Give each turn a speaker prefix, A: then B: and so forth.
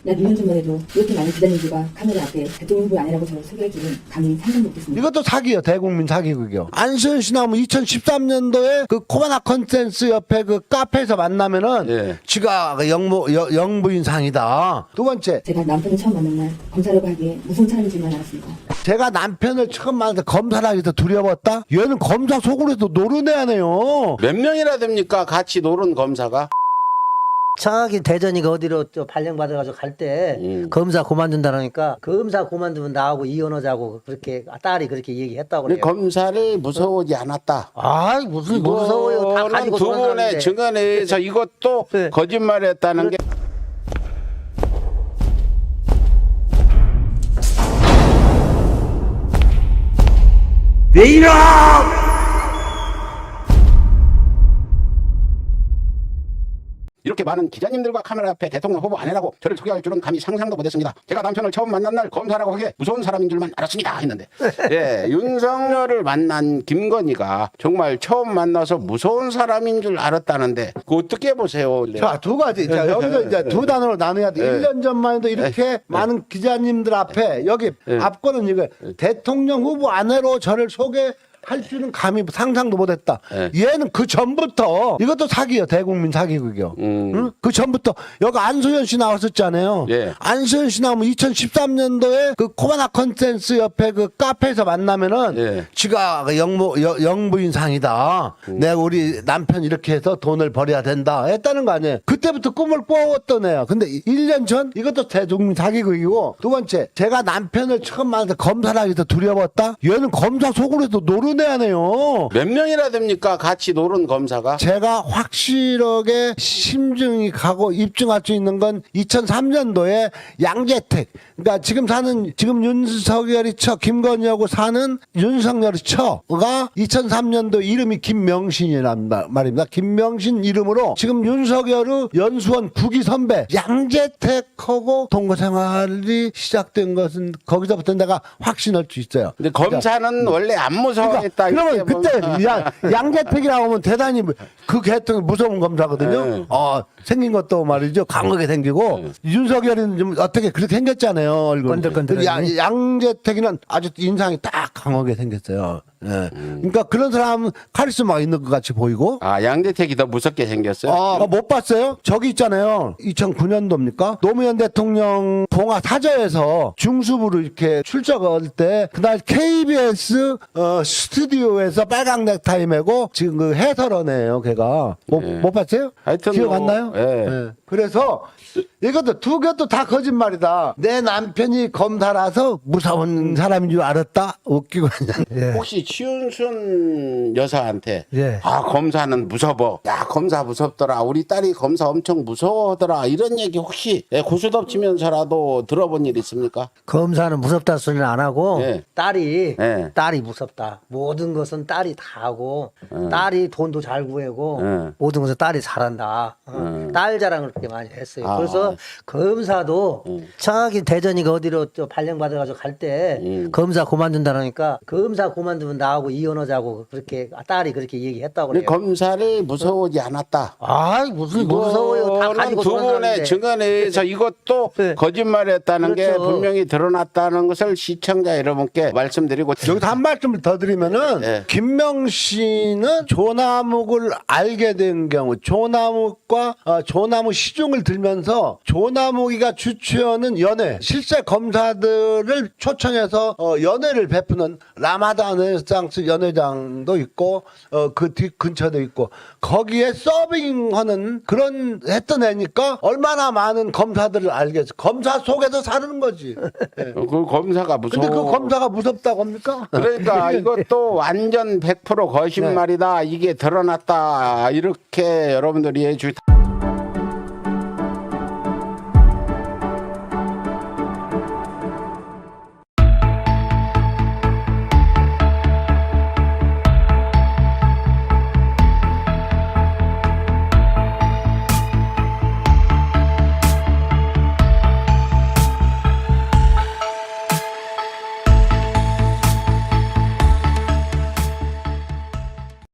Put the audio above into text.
A: 약 2년 전만 해도 이렇게 많은 기자님들과 카메라 앞에 대통령 후보 아니라고 저를 소개할 줄은 감히 상상도 못했습니다.
B: 이것도 사기요. 대국민 사기극이요. 안수현 씨 나오면 2013년도에 그 코바나 컨텐츠 옆에 그 카페에서 만나면은
C: 예.
B: 지가 영부인 상이다. 두 번째,
A: 제가 남편을 처음 만난 날 검사라고 하기에 무서운 사람인 줄만 알았습니다.
B: 제가 남편을 처음 만나서 검사를 하기도 두려웠다? 얘는 검사 속으로 해도 노르네하네요.
C: 몇 명이나 됩니까? 같이 노른 검사가?
D: 정확히 대전이가 어디로 저 발령받아가지고 갈 때 검사 그만둔다니까 검사 그만두면 나하고 이혼하자고 그렇게 딸이 그렇게 얘기했다고
C: 우리
D: 그래요.
C: 검사를 무서워하지 않았다.
D: 아이 무슨 무서워요. 다
C: 이거는
D: 가지고
C: 두 분의
D: 돌아다니는데.
C: 증언에 의해서 이것도
D: 네.
C: 거짓말했다는 게
B: 왜 이러!
C: 이렇게 많은 기자님들과 카메라 앞에 대통령 후보 아내라고 저를 소개할 줄은 감히 상상도 못했습니다. 제가 남편을 처음 만난 날 검사라고 하기에 무서운 사람인 줄만 알았습니다 했는데 예, 윤석열을 만난 김건희가 정말 처음 만나서 무서운 사람인 줄 알았다는데 그거 어떻게 보세요?
B: 자, 두 가지. 자, 여기서 이제 두 단어로 나눠야 돼. 1년 전만 해도 이렇게 많은 기자님들 앞에 여기 앞거는 이거 대통령 후보 아내로 저를 소개할 줄은 감히 상상도 못했다. 얘는 그 전부터 이것도 사기요. 대국민 사기극이요. 응? 그 전부터 여기 안수현 씨 나왔었잖아요.
C: 예.
B: 안수현 씨 나오면 2013년도에 그 코바나 컨텐츠 옆에 그 카페에서 만나면은
C: 예.
B: 지가 영부인 상이다. 내가 우리 남편 이렇게 해서 돈을 벌여야 된다 했다는 거 아니에요. 그때부터 꿈을 꾸었던 애야. 근데 1년 전 이것도 대국민 사기극이고 두 번째 제가 남편을 처음 만나서 검사를 하기도 두려웠다. 얘는 검사 속으로 해도 노르네하네요.
C: 몇 명이나 됩니까? 같이 노른 검사가?
B: 제가 확실하게 심증이 가고 입증할 수 있는 건 2003년도에 양재택. 그러니까 지금 윤석열이 김건희하고 사는 윤석열이 처가 2003년도 이름이 김명신이란 말입니다. 김명신 이름으로 지금 윤석열의 연수원 9기 선배 양재택하고 동거생활이 시작된 것은 거기서부터 내가 확신할 수 있어요.
C: 근데 검사는 원래 안 무서워했다.
B: 그러면
C: 이렇게
B: 그때
C: 보면.
B: 양재택이라고 하면 대단히 그 계통이 무서운 검사거든요.
C: 네.
B: 생긴 것도 말이죠. 강하게 생기고 윤석열이는 좀 어떻게 그렇게 생겼잖아요. 얼굴.
D: 건들건들하니.
B: 양재택이는 아주 인상이 딱 강하게 생겼어요. 예. 그러니까 그런 사람은 카리스마가 있는 것 같이 보이고.
C: 아, 양대택이 더 무섭게 생겼어요?
B: 못 봤어요? 저기 있잖아요. 2009년도입니까? 노무현 대통령 봉화 사저에서 중수부로 이렇게 출석할 때 그날 KBS 스튜디오에서 빨강 넥타이 메고 지금 그 해설원이에요. 걔가 못 봤어요?
C: 하여튼
B: 기억
C: 뭐,
B: 안 나요?
C: 예.
B: 그래서 이것도 두 개도 다 거짓말이다. 내 남편이 검사라서 무서운 사람인 줄 알았다. 웃기고 그냥.
C: 혹시 최윤순 여사한테
D: 예.
C: 아 검사는 무서워, 야 검사 무섭더라, 우리 딸이 검사 엄청 무서워하더라 이런 얘기 혹시 고스톱 치면서라도 들어본 일 있습니까?
D: 검사는 무섭다 소리는 안 하고
C: 예.
D: 딸이
C: 예.
D: 무섭다. 모든 것은 딸이 다 하고 딸이 돈도 잘 구하고
C: 예.
D: 모든 것은 딸이 잘한다. 딸 자랑을 그렇게 많이 했어요.
C: 아.
D: 그래서 검사도 정확히 대전이가 어디로 저 발령받아가지고 갈 때 검사 그만둔다니까 검사 그만두면 나하고 이혼하자고 그렇게 딸이 그렇게 얘기했다고
C: 우리
D: 그래요.
C: 검사를 무서워하지 않았다.
D: 아이 무슨 무서워요. 다 가지고
C: 두 분의
D: 돌아다니는데.
C: 증언에 의해서 이것도
D: 네.
C: 거짓말했다는 게
D: 그렇죠.
C: 분명히 드러났다는 것을 시청자 여러분께 말씀드리고
B: 여기서 한 말씀을 더 드리면은
C: 네.
B: 김명신은 조남욱을 알게 된 경우 조남욱과 조남욱 시중을 들면서 조남욱이가 주최하는 연회 실세 검사들을 초청해서 연회를 베푸는 라마단 르네상스 연회장도 있고 그 뒤 근처도 있고 거기에 서빙하는 그런 했던 애니까 얼마나 많은 검사들을 알겠어. 검사 속에서 사는 거지. 예.
C: 그 검사가 무서워.
B: 근데 그 검사가 무섭다고 합니까?
C: 그러니까 이것도 완전 100% 거짓말이다. 이게 드러났다. 이렇게 여러분들이 해주다.